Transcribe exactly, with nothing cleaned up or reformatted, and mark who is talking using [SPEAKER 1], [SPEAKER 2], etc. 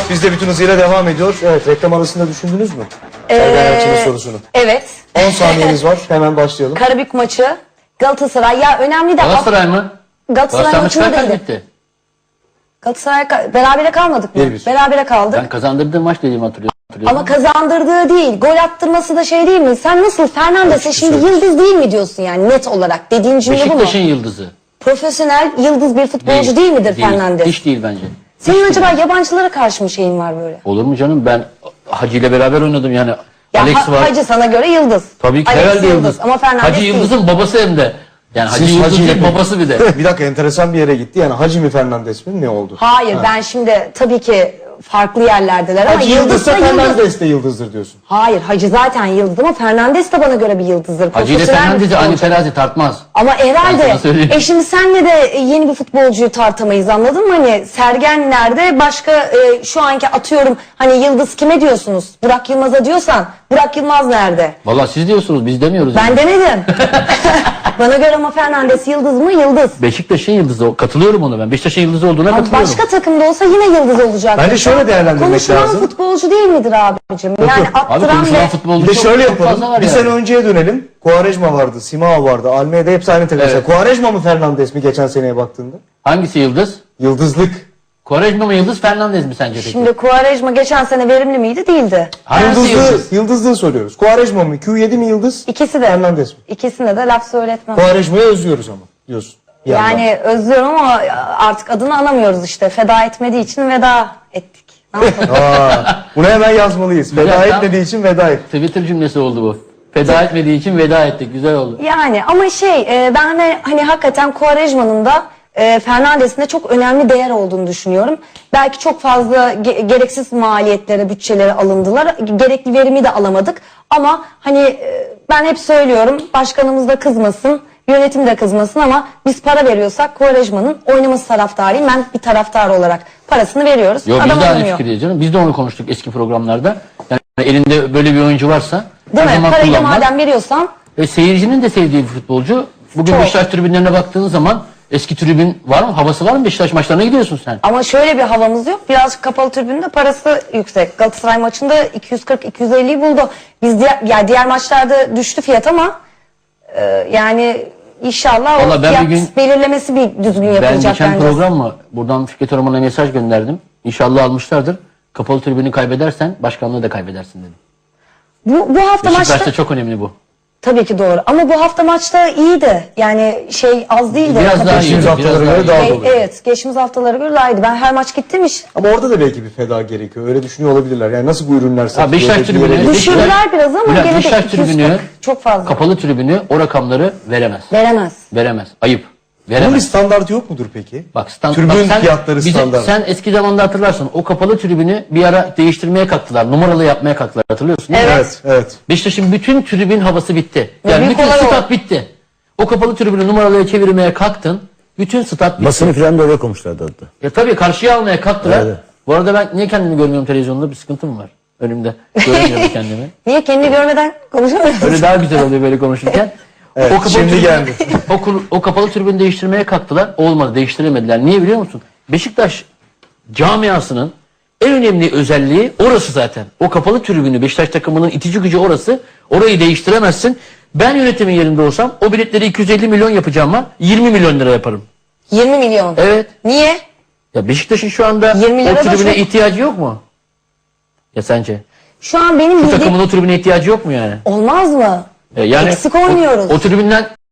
[SPEAKER 1] Biz de bütün hızıyla devam ediyor. Evet, reklam arasında düşündünüz mü? Sergen
[SPEAKER 2] Ee,
[SPEAKER 1] Yalçın'ın sorusunu.
[SPEAKER 2] Evet.
[SPEAKER 1] on saniyeniz var. Hemen başlayalım.
[SPEAKER 2] Karabük maçı. Galatasaray. Ya önemli de...
[SPEAKER 3] Galatasaray mı?
[SPEAKER 2] Galatasaray
[SPEAKER 3] Galatasaray
[SPEAKER 2] maçında
[SPEAKER 3] maçı kaç
[SPEAKER 2] değildi.
[SPEAKER 3] bitti?
[SPEAKER 2] Galatasaray ka- berabere kalmadık mı?
[SPEAKER 1] Bir bir.
[SPEAKER 2] Berabere kaldık.
[SPEAKER 3] Ben kazandırdığım maç dediğimi hatırlıyorum.
[SPEAKER 2] Ama kazandırdığı değil. Gol attırması da şey değil mi? Sen nasıl Fernandes'e şimdi yıldız değil mi diyorsun yani net olarak? Dediğin cümle bu mu?
[SPEAKER 3] Beşiktaş'ın yıldızı.
[SPEAKER 2] Profesyonel yıldız bir futbolcu değil, midir Fernandes?
[SPEAKER 3] Hiç değil bence.
[SPEAKER 2] Senin
[SPEAKER 3] Hiç
[SPEAKER 2] acaba
[SPEAKER 3] değil.
[SPEAKER 2] yabancılara karşı mı şeyin var böyle?
[SPEAKER 3] Olur mu canım? Ben Hacı ile beraber oynadım yani.
[SPEAKER 2] Ya
[SPEAKER 3] Alex
[SPEAKER 2] Ha-
[SPEAKER 3] var.
[SPEAKER 2] Hacı sana göre yıldız.
[SPEAKER 3] Tabii ki
[SPEAKER 2] Alex
[SPEAKER 3] herhalde yıldız.
[SPEAKER 2] Ama Fernandes
[SPEAKER 3] Hacı
[SPEAKER 2] değil.
[SPEAKER 3] Yıldız'ın babası hem de. Yani Hacı
[SPEAKER 1] Siz
[SPEAKER 3] Yıldız
[SPEAKER 1] Hacı
[SPEAKER 3] değil
[SPEAKER 1] ile-
[SPEAKER 3] babası bir de.
[SPEAKER 1] Bir dakika, enteresan bir yere gitti. Yani Hacı mi Fernandes mi? Ne oldu?
[SPEAKER 2] Hayır
[SPEAKER 1] Ha.
[SPEAKER 2] ben şimdi tabii ki farklı yerlerdeler ama
[SPEAKER 1] Hacı
[SPEAKER 2] yıldız
[SPEAKER 1] yıldızsa
[SPEAKER 2] da yıldız.
[SPEAKER 1] Fernandes de yıldızdır diyorsun.
[SPEAKER 2] Hayır Hacı zaten yıldız ama Fernandes de bana göre bir yıldızdır.
[SPEAKER 3] Hacı ile
[SPEAKER 2] Profesyonel bir
[SPEAKER 3] Fernandes'i aynı
[SPEAKER 2] futbolcu.
[SPEAKER 3] terazi tartmaz.
[SPEAKER 2] Ama
[SPEAKER 3] Ben
[SPEAKER 2] herhalde
[SPEAKER 3] sana söyleyeyim.
[SPEAKER 2] e şimdi senle de yeni bir futbolcuyu tartamayız, anladın mı? Hani Sergen nerede? Başka e, şu anki atıyorum hani yıldız kime diyorsunuz? Burak Yılmaz'a diyorsan Burak Yılmaz nerede?
[SPEAKER 3] Vallahi siz diyorsunuz biz demiyoruz.
[SPEAKER 2] Ben
[SPEAKER 3] yani.
[SPEAKER 2] demedim. Bana göre ama Fernandes yıldız mı? Yıldız.
[SPEAKER 3] Beşiktaş'ın yıldızı. Katılıyorum ona ben. Beşiktaş'ın yıldızı olduğuna
[SPEAKER 2] Ama
[SPEAKER 3] katılıyorum.
[SPEAKER 2] başka takımda olsa yine yıldız olacak.
[SPEAKER 1] Bence şöyle değerlendirmek
[SPEAKER 2] Konuşulan
[SPEAKER 1] lazım.
[SPEAKER 2] futbolcu değil midir abicim? Yani
[SPEAKER 1] yok.
[SPEAKER 3] Abi
[SPEAKER 2] attıran
[SPEAKER 3] konuşulan
[SPEAKER 2] ve...
[SPEAKER 3] futbolcu
[SPEAKER 1] Bir de
[SPEAKER 3] çok,
[SPEAKER 1] şöyle
[SPEAKER 3] çok fazla
[SPEAKER 1] yapalım.
[SPEAKER 3] var
[SPEAKER 1] Bir
[SPEAKER 3] yani.
[SPEAKER 1] sene önceye dönelim. Quaresma vardı, Simao vardı, Almeida hepsi aynı takım.
[SPEAKER 3] Evet.
[SPEAKER 1] Quaresma mı Fernandes mi geçen seneye baktığında?
[SPEAKER 3] Hangisi yıldız?
[SPEAKER 1] Yıldızlık.
[SPEAKER 3] Quaresma mı yıldız, Fernandes mi sence peki?
[SPEAKER 2] Şimdi Quaresma geçen sene verimli miydi? Değildi.
[SPEAKER 3] Hangisi
[SPEAKER 1] Yıldızlığı,
[SPEAKER 3] yıldız?
[SPEAKER 1] yıldızlığı soruyoruz. Quaresma mı? Q yedi mi yıldız?
[SPEAKER 2] İkisi de.
[SPEAKER 1] Fernandes mi?
[SPEAKER 2] İkisine de laf söyletmem.
[SPEAKER 1] Quaresma'yı özlüyoruz ama diyorsun. Bir yandan.
[SPEAKER 2] Yani özlüyorum ama artık adını anamıyoruz işte. Feda etmediği için veda ettik. Ne yapalım?
[SPEAKER 1] Aa, bunu hemen yazmalıyız. Veda
[SPEAKER 3] Güzel,
[SPEAKER 1] etmediği için veda et.
[SPEAKER 3] Twitter cümlesi oldu bu. Feda etmediği için veda ettik. Güzel oldu.
[SPEAKER 2] Yani ama şey e, ben hani, hani hakikaten Quaresma'nın da e, Fernandes'in de çok önemli değer olduğunu düşünüyorum. Belki çok fazla ge- gereksiz maliyetlere, bütçelere alındılar. Gerekli verimi de alamadık. Ama hani e, ben hep söylüyorum, başkanımız da kızmasın, yönetim de kızmasın ama biz para veriyorsak Quaresma'nın oynaması taraftarıyım. Ben bir taraftar olarak parasını veriyoruz.
[SPEAKER 3] Yo, biz
[SPEAKER 2] Adam
[SPEAKER 3] de aynı
[SPEAKER 2] oynamıyor.
[SPEAKER 3] fikirdeyiz canım. Biz de onu konuştuk eski programlarda. Yani elinde böyle bir oyuncu varsa
[SPEAKER 2] Değil
[SPEAKER 3] her
[SPEAKER 2] mi?
[SPEAKER 3] zaman
[SPEAKER 2] Parayı da
[SPEAKER 3] kullanmak.
[SPEAKER 2] madem veriyorsan
[SPEAKER 3] Ve seyircinin de sevdiği bir futbolcu. Bugün
[SPEAKER 2] Çok.
[SPEAKER 3] Beşiktaş tribünlerine baktığın zaman eski tribün var mı? Havası var mı? Beşiktaş maçlarına gidiyorsun sen.
[SPEAKER 2] ama şöyle bir havamız yok. Birazcık kapalı tribünde parası yüksek. Galatasaray maçında iki yüz kırk iki yüz elliyi buldu. Biz diğer, yani diğer maçlarda düştü fiyat ama e, yani inşallah o
[SPEAKER 3] Vallahi ben
[SPEAKER 2] fiyat
[SPEAKER 3] bir gün-
[SPEAKER 2] belirlemesi bir düzgün
[SPEAKER 3] Ben
[SPEAKER 2] yapılacak
[SPEAKER 3] geçen
[SPEAKER 2] bence.
[SPEAKER 3] program mı? Buradan Fikret Orman'a mesaj gönderdim. İnşallah almışlardır. Kapalı tribünü kaybedersen başkanlığı da kaybedersin dedim.
[SPEAKER 2] Bu, bu hafta
[SPEAKER 3] Beşiktaş'ta
[SPEAKER 2] maçta
[SPEAKER 3] çok önemli bu.
[SPEAKER 2] tabii ki doğru ama bu hafta maçta iyiydi. Yani şey az değildi.
[SPEAKER 3] Biraz daha
[SPEAKER 1] Geçtiğimiz
[SPEAKER 3] iyi.
[SPEAKER 1] haftalara
[SPEAKER 3] Biraz
[SPEAKER 1] göre
[SPEAKER 3] daha
[SPEAKER 1] daha
[SPEAKER 3] iyi.
[SPEAKER 2] E,
[SPEAKER 1] dolu.
[SPEAKER 2] evet geçtiğimiz haftalara göre daha iyiydi. Ben her maç gittim hiç.
[SPEAKER 1] Ama orada da belki bir feda gerekiyor. Öyle düşünüyor olabilirler. Yani nasıl bu ürünler
[SPEAKER 3] Ha,
[SPEAKER 1] satılıyor?
[SPEAKER 3] Beşiktaş
[SPEAKER 1] dediği
[SPEAKER 3] tribünü-
[SPEAKER 1] yere-
[SPEAKER 2] Düşürdüler
[SPEAKER 3] Beşiktaş-
[SPEAKER 2] biraz ama
[SPEAKER 3] Bülent,
[SPEAKER 2] gene de
[SPEAKER 3] Beşiktaş
[SPEAKER 2] iki yüz kırk.
[SPEAKER 3] tribünü,
[SPEAKER 2] Çok fazla.
[SPEAKER 3] Kapalı tribünü o rakamları veremez.
[SPEAKER 2] Veremez.
[SPEAKER 3] Veremez. Ayıp.
[SPEAKER 1] Bunun bir
[SPEAKER 3] Veremez.
[SPEAKER 1] standartı yok mudur peki?
[SPEAKER 3] Bak, stand,
[SPEAKER 1] Tribün
[SPEAKER 3] bak sen,
[SPEAKER 1] fiyatları
[SPEAKER 3] bizim-
[SPEAKER 1] standart.
[SPEAKER 3] Sen eski zamanda hatırlarsın. O kapalı tribünü bir ara değiştirmeye kalktılar. Numaralı yapmaya kalktılar. Hatırlıyorsun değil mi?
[SPEAKER 2] Evet.
[SPEAKER 1] Evet, evet.
[SPEAKER 3] Beşiktaş'ın bütün tribün havası bitti. Yani
[SPEAKER 2] büyük
[SPEAKER 3] bütün
[SPEAKER 2] olay o.
[SPEAKER 3] stat bitti. O kapalı tribünü numaralıya çevirmeye kalktın. Bütün stat bitti.
[SPEAKER 4] Basını falan da öyle koymuşlardı hatta.
[SPEAKER 3] Ya tabii karşıya almaya kalktılar.
[SPEAKER 4] Evet.
[SPEAKER 3] Bu arada ben niye kendimi görmüyorum televizyonda? Bir sıkıntım var. Önümde. Göremiyorum kendimi.
[SPEAKER 2] Niye kendini görmeden konuşamıyorsun?
[SPEAKER 3] Öyle daha güzel oluyor böyle konuşurken.
[SPEAKER 1] Evet, şimdi
[SPEAKER 3] tribün-
[SPEAKER 1] geldi.
[SPEAKER 3] o, kur- o kapalı tribünü değiştirmeye kalktılar. Olmadı, değiştiremediler. Niye biliyor musun? Beşiktaş camiasının en önemli özelliği orası zaten. O kapalı tribünü, Beşiktaş takımının itici gücü orası. Orayı değiştiremezsin. Ben yönetimin yerinde olsam o biletleri iki yüz elli milyon yapacağım var. yirmi milyon lira yaparım.
[SPEAKER 2] yirmi milyon.
[SPEAKER 3] Evet.
[SPEAKER 2] Niye?
[SPEAKER 3] Ya Beşiktaş'ın şu anda
[SPEAKER 2] yirmi lira
[SPEAKER 3] o
[SPEAKER 2] da
[SPEAKER 3] tribüne
[SPEAKER 2] çok.
[SPEAKER 3] ihtiyacı yok mu? Ya sence?
[SPEAKER 2] Şu an benim
[SPEAKER 3] Bu
[SPEAKER 2] bildiğim...
[SPEAKER 3] takımın o tribüne ihtiyacı yok mu yani?
[SPEAKER 2] Olmaz mı?
[SPEAKER 3] E, Yani
[SPEAKER 2] Eksik
[SPEAKER 3] o-
[SPEAKER 2] oynuyoruz.
[SPEAKER 3] O, tribünden